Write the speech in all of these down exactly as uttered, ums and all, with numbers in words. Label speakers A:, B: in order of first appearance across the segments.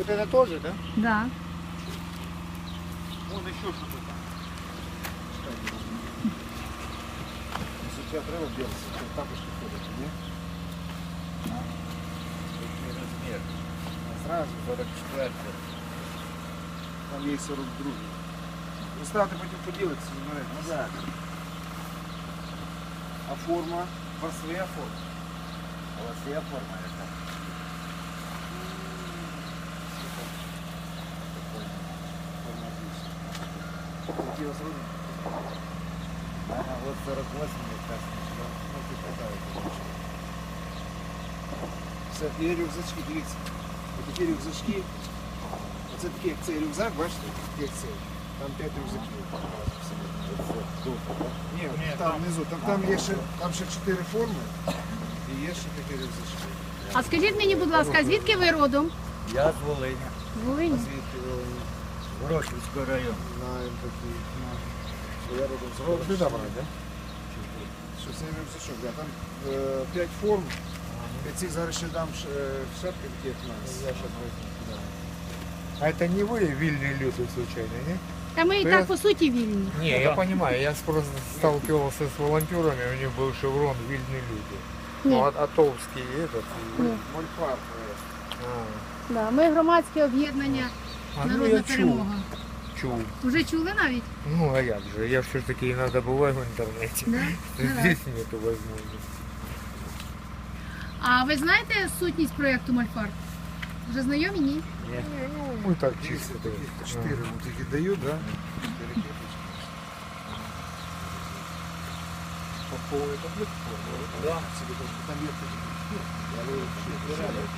A: Вот это тоже, да?
B: Да.
A: Вон еще что-то там. Если тебя треба делать, то тапочки ходят, не?
C: Який розмір?
A: Сразу.
C: сорок четыре.
A: Там есть сорок два. Ну ставте потім поділитися, зберете.
C: Ну так.
A: А форма? У вас своя форма?
C: У вас є форма яка?
A: Форма отличная. Какие у вас роды?
C: Ага, от сорок восемь якраз. Ну, ти питаєте.
A: Все, є рюкзачки, дивіться. Ось такі рюкзачки. Оце такі, як цей рюкзак, бачите? Як цей. Там п'ять рюкзаків. Ні, там внизу. Там, там є ще, там ще чотири форми. І є ще такі рюкзачки.
B: А скажіть мені, будь ласка, звідки ви родом?
C: Я з Волині.
B: З Волині.
A: Звідки ви
C: Ворошилівського району.
A: знаємо такі. Що я родом з Ровно. Ти добре, так? Що це рюкзачок, да. Там е, п'ять форм. Я цих зараз ще дам ш- е, шапки такі, як в нас. Я
D: А это не вы вильные люди случайно, не?
B: Та ми і так по суті вільні.
D: Не, я понимаю, я просто сталкивался с волонтерами, у них был шеврон «Вильные люди».
B: Ні.
D: Ну, а- Атовский этот. и-
B: Ні.
A: Мольфар.
D: А,
B: Да, ми громадське об'єднання
D: А, ну,
B: Народна
D: я чув.
B: перемога.
D: чув.
B: Вже чули навіть?
D: Ну, а як же, я все-таки иногда бываю в интернете.
B: Да? Ну, да.
D: Здесь нету возможности.
B: А ви знаєте сутність проєкту Мольфар? Вже знайомі? Ні?
C: Ні.
D: Не, ну, мы так
A: Чисто
D: чисто.
A: таких чотири вот такі дають, да? Чотири кепочки.
D: По поводу таблетки?
A: Да. Собі там, там є такі. Я говорю, що це реально.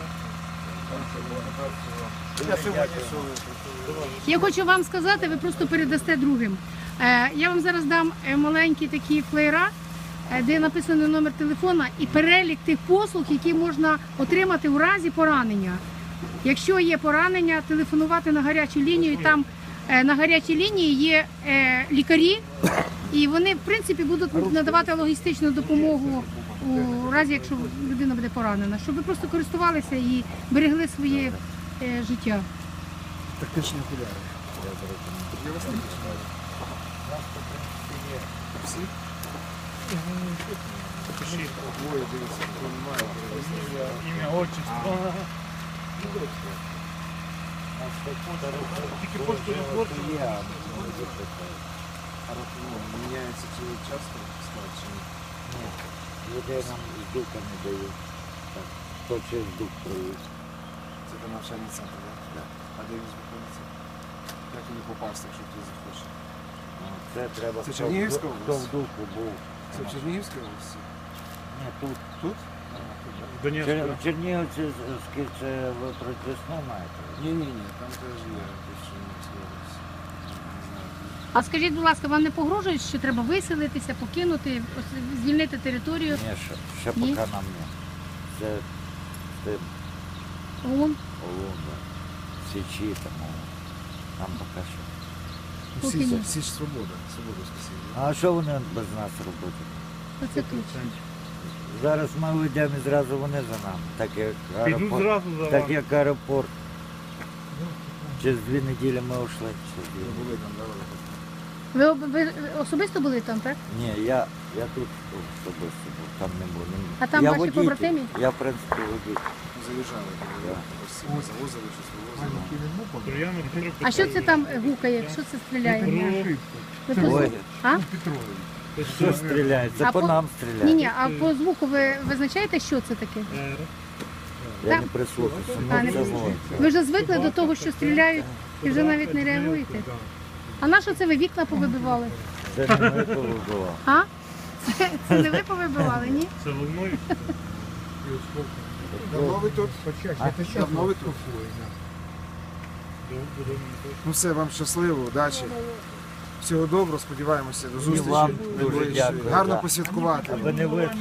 A: Я сьогодні сьогодні.
B: Я хочу вам сказати, ви просто передасте другим. Е, Я вам зараз дам е, маленькі такі флеєра, е, де написано номер телефона і перелік тих послуг, які можна отримати у разі поранення. Якщо є поранення, телефонувати на гарячу лінію. І там е, на гарячій лінії є е, лікарі, і вони в принципі будуть надавати логістичну допомогу у разі, якщо людина буде поранена, щоб ви просто користувалися і берегли своє е, життя.
A: Тактичні окуляри.
C: Я зрозумів.
A: Я вас не знаю.
C: Нас, в принципі, є.
A: Всі? Двоє, дивіться, хто немає.
D: Имя, отчество.
C: Нас так
D: Тільки пошту не хлопців.
C: є, а може бути таке.
A: А от, ну, міняється чи часто склад, чи ні?
C: Ні. Людей нам з дука не дають. Так, хто через дух проїзд.
A: Це там навчальний центр, так?
C: Да.
A: А де він знаходиться? Як туди попасти, якщо хтось захоче?
C: Ну, Це треба,
A: Це
C: хто в
A: Чернігівська
C: ду- хто в
A: область?
C: духу був.
A: Це в Чернігівській області?
C: Ні, тут.
A: Тут?
C: Чер... В Чернігівці з- з- це ви про Десну маєте?
A: Ні-ні-ні, там теж є тут в Чернігівській області. Не знаю.
B: А скажіть, будь ласка, вам не погрожують, що треба виселитися, покинути, ось звільнити територію?
C: Ні, ще, ще
B: Ні?
C: поки нам не. Це тим
B: ООН?
C: Олунда, Січі, тому нам поки що.
B: Поки
A: Всі,
B: ні.
A: всі ж свобода, свободу спасибо.
C: А що вони без нас робити?
B: Оце точно.
C: Зараз ми йдемо і зразу вони за нами, так як
D: Підуть
C: аеропорт.
D: зразу за
C: Так
D: вами.
C: як аеропорт. Через дві неділі ми йшли. Через дві
A: Ви
C: неділі.
A: були там, да, ви?
B: Ви, об- ви особисто були там, так?
C: Ні, я, я тут особисто був, там не був. Не-
B: А там
C: я
B: ваші
C: водитель.
B: побратимі?
C: Я, в принципі, водитель.
A: Заїжджали,
C: Да.
A: ось завозили, щось вивозили.
D: Трояна Петро
B: А що це там гукає? Що це стріляє? Ви по
C: Ой.
B: звуку? А?
C: Що стріляє? Це
B: А
C: по
B: по-
C: нам стріляє.
B: Ні, ні, а по звуку ви визначаєте, що це таке?
C: Я
B: Так.
C: не прислухався.
B: А, не
C: Ну, це
B: прислухався.
C: вон.
B: Ви вже звикли до того, що стріляють, і вже навіть не реагуєте. А на що це ви вікна повибивали?
C: Це не ми повибивали.
B: А? Це, це не ви повибивали, ні?
D: Це волною.
A: Давно ви тут?
D: Почаще.
A: Давно ви тут? Ну все, вам щасливо, удачі. Всього доброго, сподіваємося, до зустрічі.
C: вам дуже
A: найближчої.
C: дякую,
A: Гарно
C: да.
A: посвяткувати.
C: Аби не вийшло.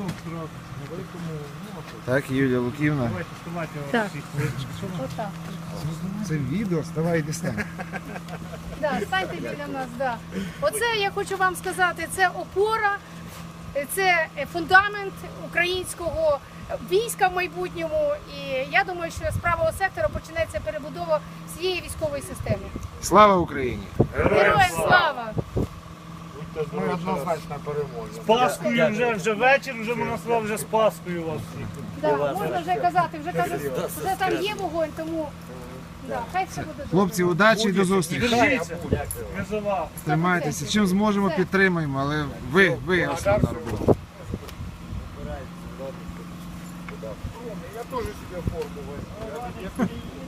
A: Так, Юлія Луківна.
B: Так. Отак.
A: Це відео, ставай і дістань.
B: Да, станьте біля нас, да. Оце я хочу вам сказати, це опора, це фундамент українського війська в майбутньому. І я думаю, що з правого сектора почнеться перебудова всієї військової системи.
A: Слава Україні!
B: Героям слава!
A: Ми однозначно переможемо.
E: З Паскою вже, вже вечір, вже можна сказати, вже з Паскою вас всіх.
B: Да, можна вже казати, вже кажуть, вже там є вогонь, тому да, хай все буде добре.
A: Хлопці, удачі і до зустрічі.
E: Держіться, ми за вас.
A: Тримайтеся. Чим зможемо, підтримаємо, але ви, ви основна робота.
D: Я тоже себе форму возьму.